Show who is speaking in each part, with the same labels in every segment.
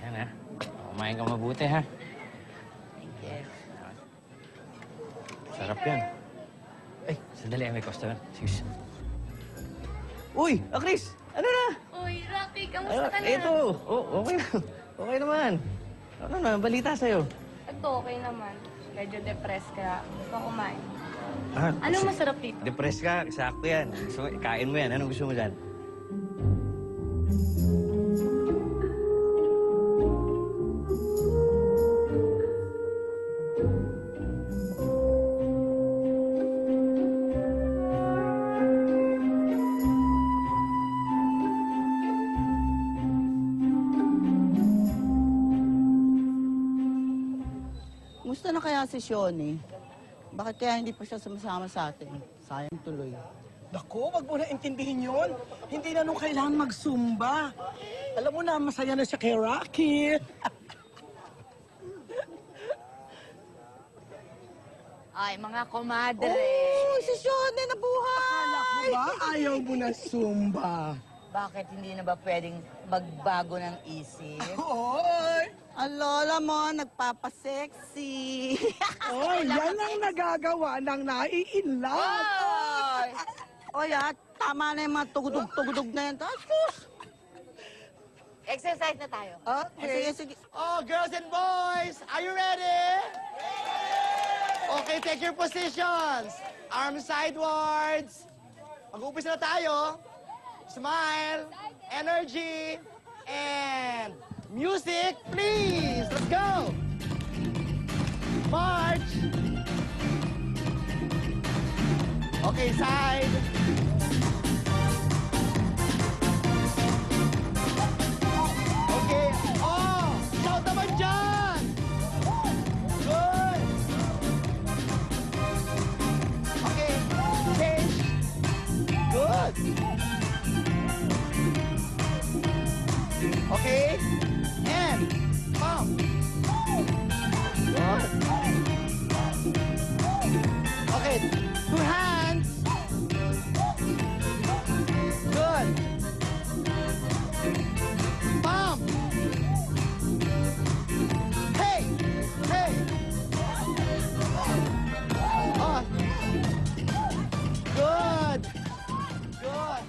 Speaker 1: Yan, ha? Kumain ka mabuti, ha?
Speaker 2: Thank you.
Speaker 1: Sarap yan. Ay, sandali, may customer. Excuse.
Speaker 3: Uy, Chris! Ano na?
Speaker 2: Uy, Rocky, kamusta ka na?
Speaker 3: Ito. Oh, okay na. Okay naman. Ano na, balita sa'yo?
Speaker 2: Ito, okay naman. Medyo depressed kaya gusto ko kumain.
Speaker 3: Ah,
Speaker 2: Anong masarap dito?
Speaker 3: Depressed ka, sakto yan. Gusto mo, kain mo yan. Anong gusto mo dyan?
Speaker 4: Musta na kaya si Shoni? Bakit kaya hindi pa siya sumasama sa atin? Sayang tuloy.
Speaker 5: Naku, wag mo na intindihin yun. Hindi na nung kailangan magsumba. Alam mo na, masaya na siya kay Rocky.
Speaker 2: Ay, mga komadre.
Speaker 4: Oh, si Shoni nabuhay!
Speaker 5: Akala ko ba ayaw mo na sumba?
Speaker 6: Bakit hindi na ba pwedeng magbago ng isip?
Speaker 5: Oy!
Speaker 4: Ang lola mo, nagpapasexy.
Speaker 5: Oy, yan ang nagagawa ng nai-inlove.
Speaker 4: Oy! Oy, tama na yung mga tugudog na yan. Sus!
Speaker 6: Exercise na tayo.
Speaker 4: Sige, sige.
Speaker 7: Oh, girls and boys, are you ready? Okay, take your positions. Arms sidewards. Mag-uumpisa na tayo. Smile, energy, and music, please. Let's go. March. Okay, side. Okay. Oh, shout naman dyan. Good. Okay, change. Good. Okay, and pump. Good. Okay, 2 hands. Good. Pump. Hey, hey. Oh. Good. Good.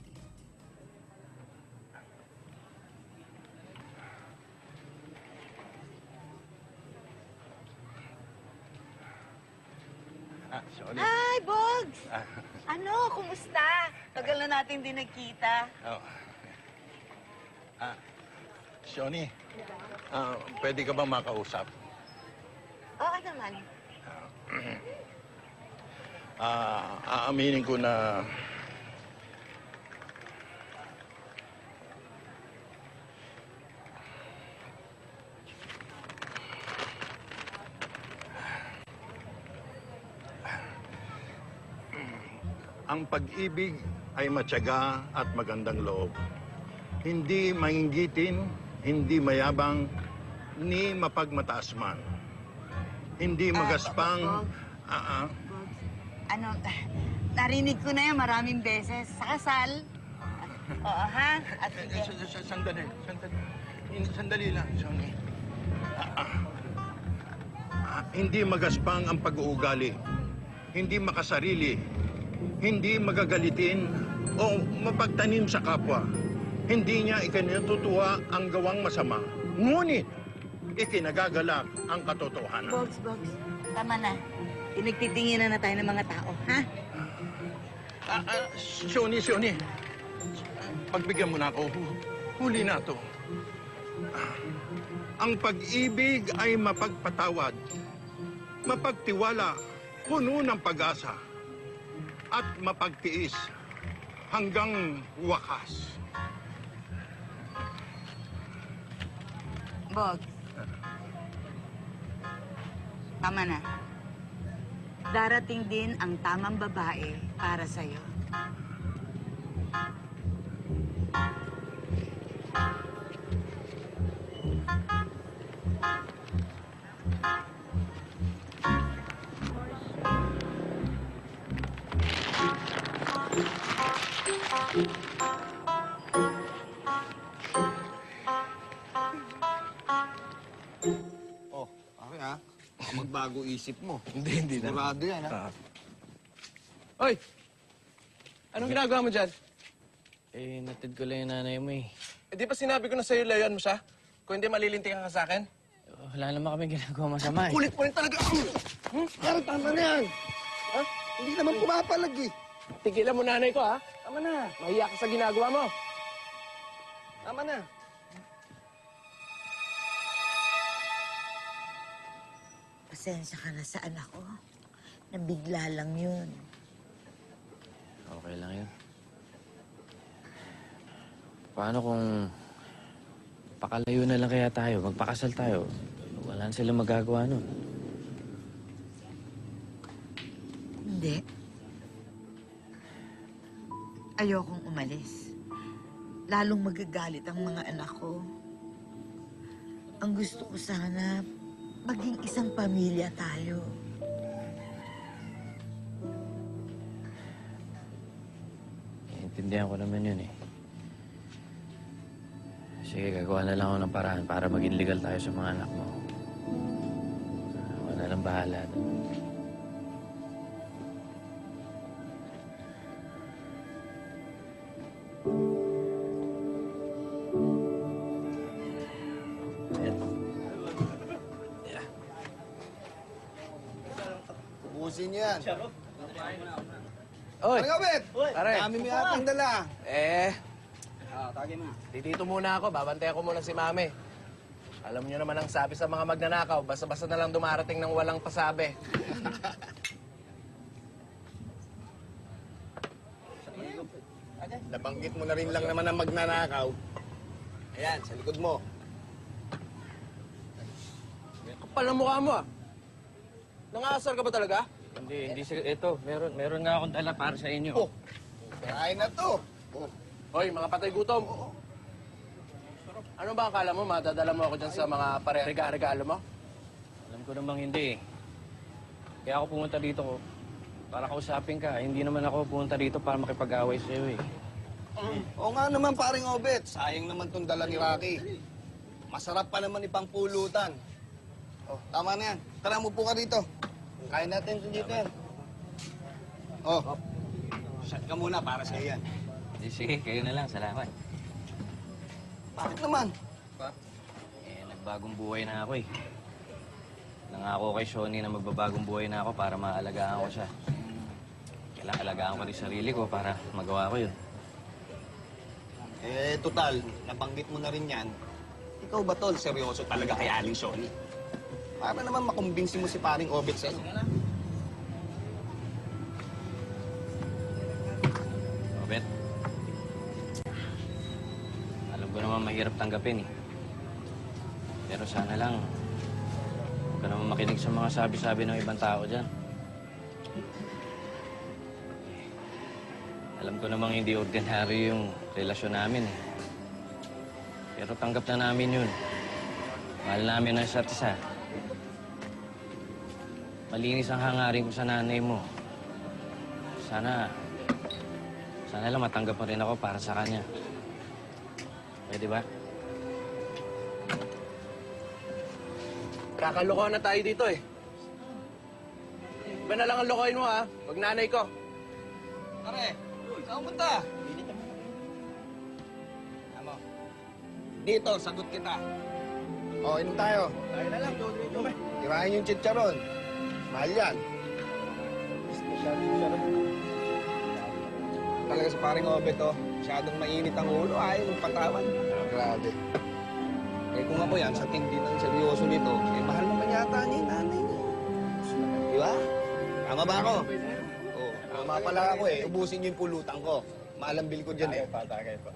Speaker 3: Sorry.
Speaker 6: Hi, Bogs! Ano, kumusta? Tagal na natin din nagkita.
Speaker 8: Oh. Shoni, pwede ka ba makausap?
Speaker 6: Oo naman.
Speaker 8: Aaminin ko na ang pag-ibig ay matyaga at magandang loob. Hindi mainggitin, hindi mayabang, ni mapagmataas man. Hindi magaspang.
Speaker 6: Bogs, ano, narinig ko na yan maraming beses. Sa kasal. Oo, ha? At sige.
Speaker 8: Sandali lang, Shoni. Hindi magaspang ang pag-uugali. Hindi makasarili. Hindi magagalitin o mapagtanim sa kapwa. Hindi niya ikinututuwa ang gawang masama. Ngunit, ikinagagalak ang katotohanan.
Speaker 6: Bogs, tama na. Pinagtitinginan na tayo ng mga tao, ha?
Speaker 8: Shoni. Pagbigyan mo na ako. Huli na to. Ang pag-ibig ay mapagpatawad, mapagtiwala, puno ng pag-asa, at mapagtiis hanggang wakas.
Speaker 6: Bogs. Tama na. Darating din ang tamang babae para sa'yo.
Speaker 8: Baka magbago isip mo.
Speaker 3: Hindi na.
Speaker 8: Sigurado yan, ha?
Speaker 3: Hoy! Anong ginagawa mo dyan? Eh, natid ko lang yung nanay mo eh.
Speaker 9: Eh, di ba sinabi ko na sa'yo, layan mo siya? Kung hindi, malilintikan ka sa akin?
Speaker 3: Wala naman kami ginagawa masama eh.
Speaker 8: Kulit mo rin talaga. Pero tama na yan. Ha? Hindi naman pumapalag eh.
Speaker 9: Tigilan mo nanay ko, ha? Tama na. Mahiya ka sa ginagawa mo. Tama na.
Speaker 6: Pasensya ka na sa anak ko. Nabigla lang yun.
Speaker 3: Okay lang yun. Paano kung pakalayo na lang kaya tayo, magpakasal tayo? Wala na silang magagawa nun.
Speaker 6: Hindi. Ayokong umalis. Lalong magagalit ang mga anak ko. Ang gusto ko sana, maging isang pamilya tayo.
Speaker 3: Intindihan ko naman yun eh. Sige, gagawa na lang ako ng paraan para maging legal tayo sa mga anak mo. Wala nang bahala doon.
Speaker 8: Ubusin niyo yan.
Speaker 9: Oy!
Speaker 8: Ano Bet?
Speaker 9: Pare.
Speaker 8: Dami mo yatang dala.
Speaker 9: Dito muna ako. Babantayan ko muna si Mami. Alam niyo naman ang sabi sa mga magnanakaw, basta-basta na lang dumarating ng walang pasabi.
Speaker 8: Nabanggit mo na rin lang naman ang magnanakaw. Ayan, sa likod mo.
Speaker 9: Kapal ang mukha mo, ah. Nangaasar ka ba talaga?
Speaker 3: Hindi. Ito, meron nga akong dala para sa inyo.
Speaker 8: Oh, kain na to. Oh.
Speaker 9: Hoy, mga patay gutom. Ano ba akala mo? Madadala mo ako dyan sa mga pare-regalo mo?
Speaker 3: Alam ko namang hindi eh. Kaya ako pumunta dito para kausapin ka. Hindi naman ako pumunta dito para makipag-away sa'yo eh.
Speaker 8: Oo nga naman, paring Obet. Sayang naman tong dala ni Rocky. Masarap pa naman ipangpulutan. Oh, tama na yan. Tara, mupo ka dito. Kain natin dito yan. Oh, shot ka muna para sa yan.
Speaker 3: Sige, kayo na lang. Salamat.
Speaker 8: Bakit naman?
Speaker 3: Nagbagong buhay na ako eh. Nangako kay Shoni na magbabagong buhay na ako para maalagaan ko siya. Kailangan alagaan ko rin sarili ko para magawa ko yun.
Speaker 8: Eh, total, nabanggit mo na rin yan. Ikaw ba, Tol? Seryoso talaga kay Aling Shoni? Para naman makumbinsi mo si paring Obet sa'yo.
Speaker 3: Robert, alam ko naman mahirap tanggapin eh. Pero sana lang, huwag ka naman makinig sa mga sabi-sabi ng ibang tao dyan. Alam ko namang hindi ordinaryo yung relasyon namin eh. Pero tanggap na namin yun. Mahal namin ang isa't isa. Malinis ang hangarin ko sa nanay mo. Sana lang matanggap mo rin ako para sa kanya. Pwede ba?
Speaker 9: Kakalokohan na tayo dito eh. Iba na lang ang lokohin mo, ha? Wag nanay ko.
Speaker 8: Pare, saan punta? Ano? Dito, sagot kita. O, inom tayo.
Speaker 9: Tayo na lang, Jojo.
Speaker 8: Tirahin yung chicharon. Mahal yan. Talaga sa paring Obet, oh. Masyadong mainit ang ulo. Ayaw magpatawan. Grabe. Eh kung ako yan, sa tindi ng seryoso nito, eh mahal naman yata niya yung nanay niya. Di ba? Tama ba ako? Oo. Tama pala ako eh. Ubusin niyo yung pulutan ko. Maalambil ko dyan eh. Tagay pa.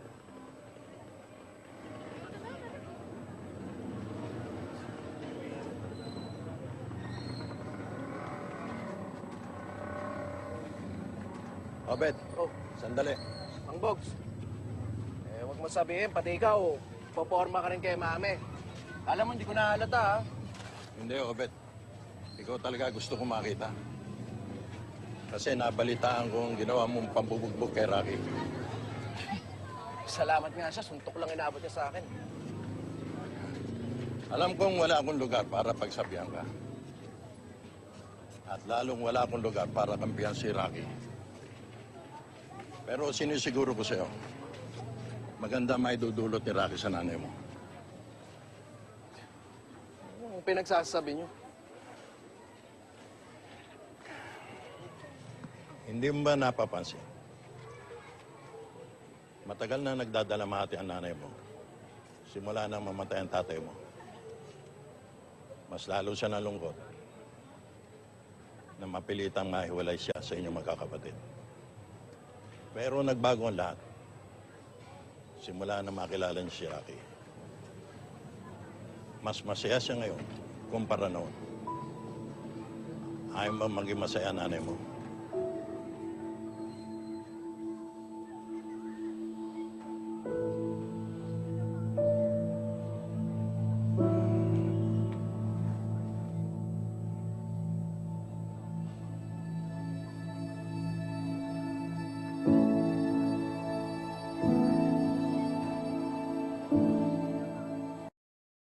Speaker 10: Obet,
Speaker 9: Oh,
Speaker 10: sandali.
Speaker 9: Mang Bogs. Wag mo sabihin, pati ikaw, poporma ka rin kay Mami. Alam mo, hindi ko nahalata, ha?
Speaker 10: Hindi, Obet. Ikaw talaga gusto ko makita. Kasi nabalitaan ko ang ginawa mong pambubugbog kay Rocky.
Speaker 9: Salamat nga siya, suntok lang inabot niya sa akin.
Speaker 10: Alam kong wala akong lugar para pagsabihan ka. At lalong wala akong lugar para kampihan si Rocky. Pero sinisiguro ko sa'yo, maganda may dudulot ni Rocky sa nanay mo.
Speaker 9: Anong pinagsasabi niyo?
Speaker 10: Hindi mo ba napapansin? Matagal na nagdadalamhati ang nanay mo. Simula nang mamatay ang tatay mo. Mas lalo siya nalungkot na mapilitang mahiwalay siya sa inyong magkakapatid. Pero nagbago ang lahat. Simula na makilala niya si Rocky. Mas masaya siya ngayon kumpara noon. Ayaw mo maging masaya nanay mo.